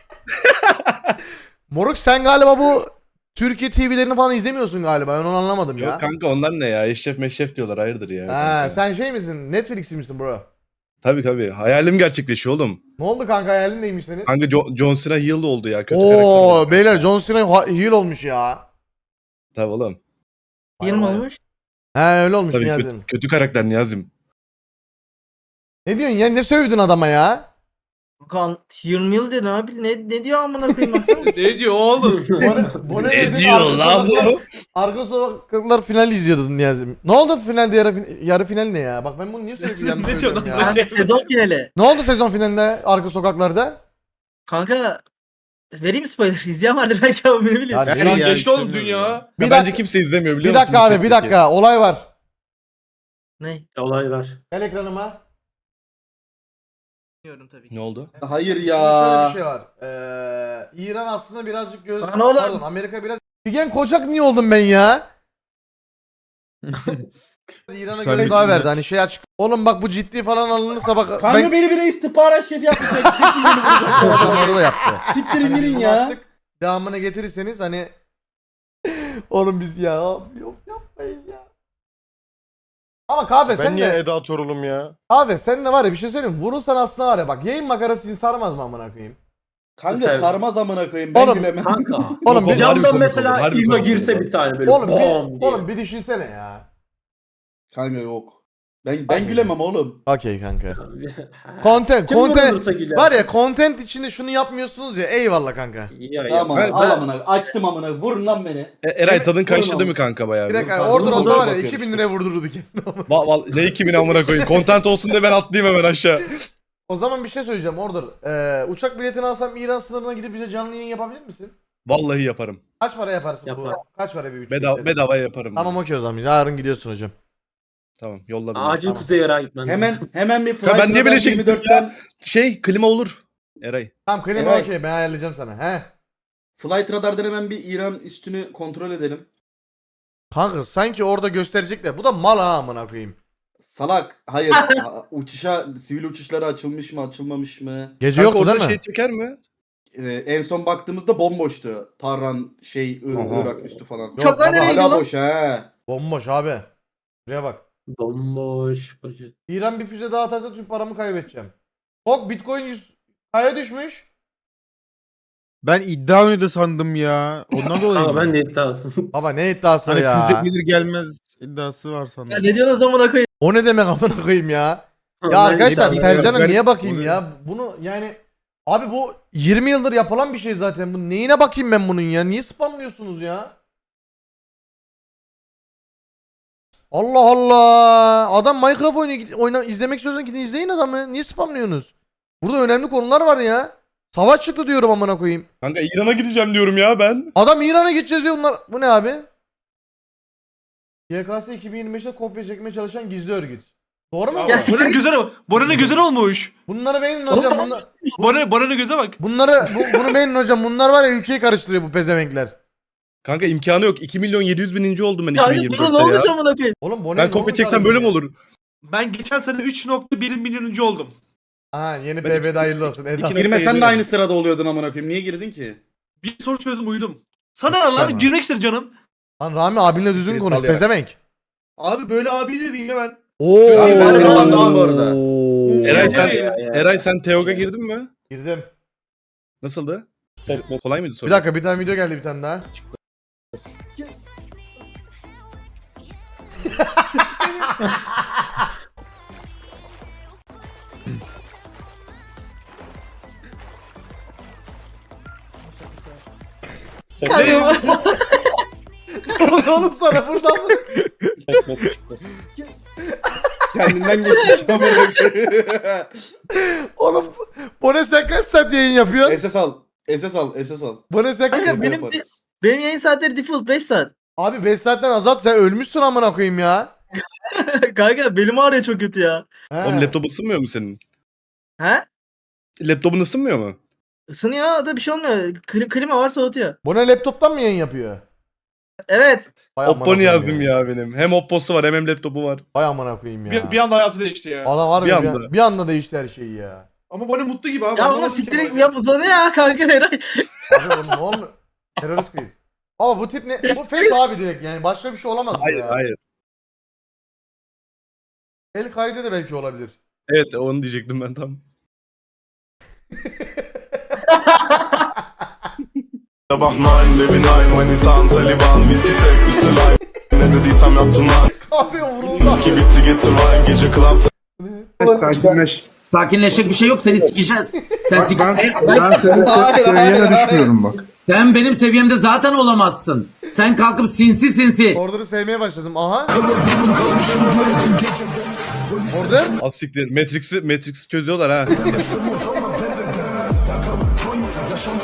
Speaker 3: Moruk sen galiba bu Türkiye T V'lerini falan izlemiyorsun galiba. Ben onu anlamadım ya.
Speaker 5: Yok kanka onlar ne ya? Eşref meşref diyorlar hayırdır ya.
Speaker 3: Ha,
Speaker 5: kanka.
Speaker 3: sen şey misin? Netflix'li misin bro?
Speaker 5: Tabii tabii. Hayalim gerçekleşiyor oğlum.
Speaker 3: Ne oldu kanka, hayalin neymiş senin?
Speaker 5: Kanka Jo- John Cena heel oldu ya. Kötü karakter
Speaker 3: Oo
Speaker 5: oldu.
Speaker 3: beyler, John Cena ha- heel olmuş ya.
Speaker 5: Tabii oğlum.
Speaker 1: Yeni mi olmuş?
Speaker 3: He öyle olmuş
Speaker 5: Tabii
Speaker 3: Niyazi'm.
Speaker 5: kötü, kötü karakter Niyazim.
Speaker 3: Ne diyorsun ya, ne sövdün adama ya?
Speaker 1: Kan yirmi yıl diyor abi. Ne, ne diyor amına koyayım baksana.
Speaker 7: Ne diyor oğlum?
Speaker 3: Bu
Speaker 5: Ne diyor lan bu?
Speaker 3: Arka sokaklar final izliyordun Niyazi'm. Ne oldu finalde, yarı, fin- yarı final ne ya? Bak ben bunu niye sürekli yanlış
Speaker 7: Ne
Speaker 3: söylüyorum
Speaker 7: diyorsun
Speaker 3: ya?
Speaker 7: lan?
Speaker 1: Kanka sezon finali.
Speaker 3: Ne oldu sezon finalinde arka sokaklarda?
Speaker 1: Kanka vereyim mi spoiler? İzleyen vardır belki ama ne bileyim.
Speaker 3: Ya
Speaker 5: Ben
Speaker 3: ne-
Speaker 7: Şu an
Speaker 5: ya,
Speaker 7: geçti oğlum
Speaker 5: istemiyorum
Speaker 7: dünya.
Speaker 5: ya.
Speaker 3: Bir
Speaker 5: Ya
Speaker 3: dakika-
Speaker 5: bence kimse izlemiyor biliyor
Speaker 3: Bir
Speaker 5: musun?
Speaker 3: dakika
Speaker 5: bu
Speaker 3: abi, bir
Speaker 5: chatteki?
Speaker 3: dakika, olay var.
Speaker 1: Ne?
Speaker 6: Olay var.
Speaker 3: Gel ekranıma.
Speaker 1: Bilmiyorum tabii ki.
Speaker 5: Ne oldu?
Speaker 2: Hayır
Speaker 3: Şöyle
Speaker 2: ya.
Speaker 3: bir şey var. Ee, İran aslında birazcık göz...
Speaker 1: Lan oğlum.
Speaker 3: Pardon, Amerika biraz... Figen Koçak niye oldum ben ya? İran'a
Speaker 4: Müsaade
Speaker 3: göz daha
Speaker 4: edin
Speaker 3: verdi
Speaker 4: ya.
Speaker 3: hani şey açık. Oğlum bak bu ciddi falan alınırsa bak...
Speaker 2: Kanka
Speaker 3: ben...
Speaker 2: beni bile istihbarat şefi yapmışlar. Kesin beni
Speaker 3: Orada
Speaker 2: burada.
Speaker 3: da yaptı.
Speaker 2: Siktirin
Speaker 3: Hani
Speaker 2: gidin
Speaker 3: bunu
Speaker 2: ya.
Speaker 3: attık, devamını getirirseniz hani... Oğlum biz ya... Yok yapmayın ya. Ama kahve
Speaker 5: Ben
Speaker 3: sen
Speaker 5: niye
Speaker 3: de...
Speaker 5: Eda Torul'um ya?
Speaker 3: Kahve sen de var ya, bir şey söyleyeyim mi? Vurursan aslında var ya, bak yayın makarası için sarmaz mı amına koyayım?
Speaker 2: Kanka
Speaker 6: Sen-
Speaker 2: sarmaz amına koyayım. Ben
Speaker 3: Oğlum,
Speaker 2: gülemem.
Speaker 6: Kanka.
Speaker 3: Oğlum
Speaker 5: Yok,
Speaker 3: bir,
Speaker 5: harbi
Speaker 6: Camdan
Speaker 5: komik olur,
Speaker 6: mesela
Speaker 5: harbi
Speaker 6: İlma
Speaker 5: komik
Speaker 6: girse
Speaker 5: olur.
Speaker 6: bir tane böyle
Speaker 3: oğlum,
Speaker 6: bom
Speaker 3: bir,
Speaker 6: diye.
Speaker 3: oğlum bir düşünsene ya.
Speaker 2: Kanka yok. Ben ben gülemem oğlum.
Speaker 3: Okey kanka. Content,
Speaker 6: Kim
Speaker 3: content.
Speaker 6: vurulursa güler.
Speaker 3: Var ya, content içinde şunu yapmıyorsunuz ya, eyvallah kanka.
Speaker 6: Ya,
Speaker 2: Tamam
Speaker 6: ya.
Speaker 2: abi, al amına. Açtım amına. Vurun lan beni.
Speaker 5: E, Eray tadın
Speaker 2: Vurun
Speaker 5: kaçtı
Speaker 2: oğlum.
Speaker 5: değil mi kanka bayağı?
Speaker 3: Direkt
Speaker 5: bir?
Speaker 3: abi,
Speaker 2: Kanka,
Speaker 3: order
Speaker 2: bunu
Speaker 3: olsa
Speaker 2: boşa
Speaker 3: var ya
Speaker 2: bakıyoruz
Speaker 3: iki bin
Speaker 2: işte.
Speaker 3: liraya vurdururdu kendini.
Speaker 5: Va, va, ne iki bin amına koyayım. Content olsun diye ben atlayayım hemen aşağı.
Speaker 3: O zaman bir şey söyleyeceğim order. Ee, uçak biletini alsam İran sınırına gidip bize canlı yayın yapabilir misin?
Speaker 5: Vallahi yaparım.
Speaker 3: Kaç para yaparsın
Speaker 6: Yapar.
Speaker 3: bu? Kaç para bir uçak
Speaker 5: Bedava,
Speaker 3: bileti?
Speaker 5: bedava yaparım.
Speaker 3: Tamam okey o zaman. Yarın gidiyorsun hocam.
Speaker 5: Tamam yolla beni.
Speaker 6: Acil
Speaker 3: Tamam.
Speaker 6: Kuzey Irak'a gitmen
Speaker 2: Hemen
Speaker 6: lazım.
Speaker 2: hemen bir
Speaker 5: Ya
Speaker 2: flight
Speaker 5: ben niye
Speaker 2: radar
Speaker 5: böyle şey
Speaker 2: yirmi dörtten
Speaker 5: Şey klima olur. Eray.
Speaker 3: Tamam klima
Speaker 2: Eray.
Speaker 3: okey, ben ayarlayacağım sana. He.
Speaker 2: Flight radardan hemen bir İran üstünü kontrol edelim.
Speaker 3: Kanka sanki orada gösterecekler. Bu da mal ha amına koyayım.
Speaker 2: Salak. Hayır. Ha, uçuşa sivil uçuşlara açılmış mı, açılmamış mı?
Speaker 3: Gece
Speaker 5: Kanka
Speaker 3: yoktu
Speaker 5: orada
Speaker 3: değil mi?
Speaker 5: şey çeker mi?
Speaker 2: Ee, en son baktığımızda bomboştu. Tarran şey I-
Speaker 5: Aha.
Speaker 2: Irak üstü falan.
Speaker 3: Yok,
Speaker 1: Uçaklar
Speaker 3: baba,
Speaker 1: nereye gidiyor
Speaker 2: Hala
Speaker 1: lan?
Speaker 2: boş he.
Speaker 3: Bomboş abi. Buraya bak.
Speaker 6: Bomboş koca.
Speaker 3: İran bir füze daha atarsa tüm paramı kaybedeceğim. Bok Bitcoin yüz kaya düşmüş.
Speaker 4: Ben iddia oynadı sandım ya. Ondan dolayı
Speaker 6: Kanka
Speaker 4: mı?
Speaker 6: ben de iddiasın.
Speaker 3: Baba ne iddiası
Speaker 4: Hani
Speaker 3: ya?
Speaker 4: füze gelir gelmez iddiası var
Speaker 1: Ya
Speaker 4: sandım.
Speaker 1: ne diyorsun amına koyayım?
Speaker 3: O ne demek amına koyayım ya? Ya
Speaker 6: Ben
Speaker 3: arkadaşlar
Speaker 6: iddiasın.
Speaker 3: Sercan'a
Speaker 4: garip
Speaker 3: niye bakayım
Speaker 4: oluyor.
Speaker 3: ya? Bunu yani abi bu yirmi yıldır yapılan bir şey zaten. Bu neyine bakayım ben bunun ya? Niye spamlıyorsunuz ya? Allah Allah. Adam Minecraft oyunu oyna, izlemek istiyorsan gidin izleyin adamı. Niye spamlıyorsunuz? Burada önemli konular var ya. Savaş çıktı diyorum amına koyayım.
Speaker 5: Kanka İran'a gideceğim diyorum ya ben.
Speaker 3: Adam İran'a gideceğiz diyor bunlar. Bu ne abi? Y K S iki bin yirmi beşte kopya çekmeye çalışan gizli örgüt. Doğru mu?
Speaker 1: Ya
Speaker 3: bu?
Speaker 1: siktir
Speaker 7: Bonan'ın
Speaker 1: git.
Speaker 7: güzel Bonan'ın güzel olmuş.
Speaker 3: Bunları beğenin hocam. Bunlar,
Speaker 7: Bona, Bonan'ın göze bak.
Speaker 3: bunları bu, bunu beğenin hocam. Bunlar var ya ülkeyi karıştırıyor bu pezevenkler.
Speaker 5: Kanka imkanı yok. iki milyon yedi yüz bininci oldum ben
Speaker 1: Ya bu ne
Speaker 5: iki bin yirmi dörtte
Speaker 1: olmuş
Speaker 5: ya.
Speaker 1: amına koyayım?
Speaker 3: Oğlum bu ne?
Speaker 5: Ben
Speaker 3: ne
Speaker 5: kopya
Speaker 3: olmuş
Speaker 5: çeksem
Speaker 3: abi
Speaker 5: böyle
Speaker 3: ya?
Speaker 5: mi olur?
Speaker 7: Ben geçen sene üç nokta bir milyonuncu oldum.
Speaker 3: Aha yeni P B'de hayırlı olsun. Eda.
Speaker 5: İki-
Speaker 2: Girmesen de aynı sırada oluyordun amına koyayım. Niye girdin ki?
Speaker 7: Bir soru çözdüm uyudum. Sana ne lan? Girmek istedim canım.
Speaker 3: Lan Rami abinle düzgün
Speaker 5: Evet,
Speaker 3: konuş
Speaker 5: al ya.
Speaker 3: pezevenk.
Speaker 7: Abi böyle abi diyor bilmem ben.
Speaker 3: Oo.
Speaker 2: Abi ben seni anladım bu arada.
Speaker 5: Eray sen
Speaker 7: Ya, ya, ya.
Speaker 5: Eray sen Teog'a girdin mi?
Speaker 3: Girdim.
Speaker 5: Nasıldı? Kolay mıydı soru?
Speaker 3: Bir dakika bir tane video geldi bir tane daha. Oğlum sana buradan mı?
Speaker 2: Kendinden geçmiş amına koyayım.
Speaker 3: Oğlum bu ne sen kaç saat yayın yapıyorsun?
Speaker 2: S S al. S S al. S S al.
Speaker 3: Bu ne sen kaç
Speaker 1: Kanka
Speaker 2: Biz de
Speaker 1: benim
Speaker 2: yaparız.
Speaker 1: benim yayın saatleri default beş saat.
Speaker 3: Abi beş saatten azalt sen ölmüşsün amına koyayım ya.
Speaker 1: Kanka belim ağrıyor çok kötü ya.
Speaker 3: He.
Speaker 5: Oğlum laptop ısınmıyor mu senin?
Speaker 1: He?
Speaker 5: Laptopun ısınmıyor mu?
Speaker 1: Isınıyor da bir şey olmuyor. Kli- klima var soğutuyor.
Speaker 3: Bu ne laptoptan mı yayın yapıyor?
Speaker 1: Evet.
Speaker 3: Vay amına
Speaker 5: Oppo
Speaker 3: koyayım
Speaker 5: yazdım ya benim. Hem Oppo'su var hem hem laptopu var.
Speaker 3: Vay amına koyayım ya.
Speaker 7: Bir, bir anda hayatı değişti ya.
Speaker 3: Adam var
Speaker 5: Bir
Speaker 3: ya bir,
Speaker 5: anda.
Speaker 3: an- bir anda değişti her şey ya.
Speaker 7: Ama Bonnie mutlu gibi abi.
Speaker 1: Ya oğlum
Speaker 7: Anlamadım ki
Speaker 1: siktir
Speaker 7: ben.
Speaker 1: yap uzanıyor ya kanka Eray.
Speaker 3: Abi oğlum ne olmuyor? Terörist quiz. Ama bu tip ne? Bu fake abi direkt yani başka bir şey olamaz bu
Speaker 5: Hayır
Speaker 3: ya.
Speaker 5: hayır.
Speaker 3: El kaydı da belki olabilir.
Speaker 5: Evet onu diyecektim ben tam.
Speaker 8: Sabah nine, baby nine, manitan, Taliban, viski sek, üstü lime. Ne dediysem yaptım lan.
Speaker 3: Abi vuruldu.
Speaker 8: Viski bitti getir wine, gece club.
Speaker 9: Sakinleş.
Speaker 10: Sakinleşecek bir şey yok, seni sikeceğiz. Sen, sik-
Speaker 9: Ben, ben senin se- seviyene düşmüyorum bak.
Speaker 10: Sen benim seviyemde zaten olamazsın. Sen kalkıp sinsi sinsi.
Speaker 3: Order'ı sevmeye başladım. Aha. Order.
Speaker 5: Az siktir. Matrix'i Matrix'i çözüyorlar ha.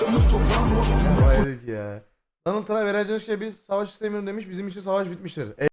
Speaker 3: Vay dedik ya. Donald Trump Eray Coşku'ya biz savaş istemiyorum demiş. Bizim için savaş bitmiştir.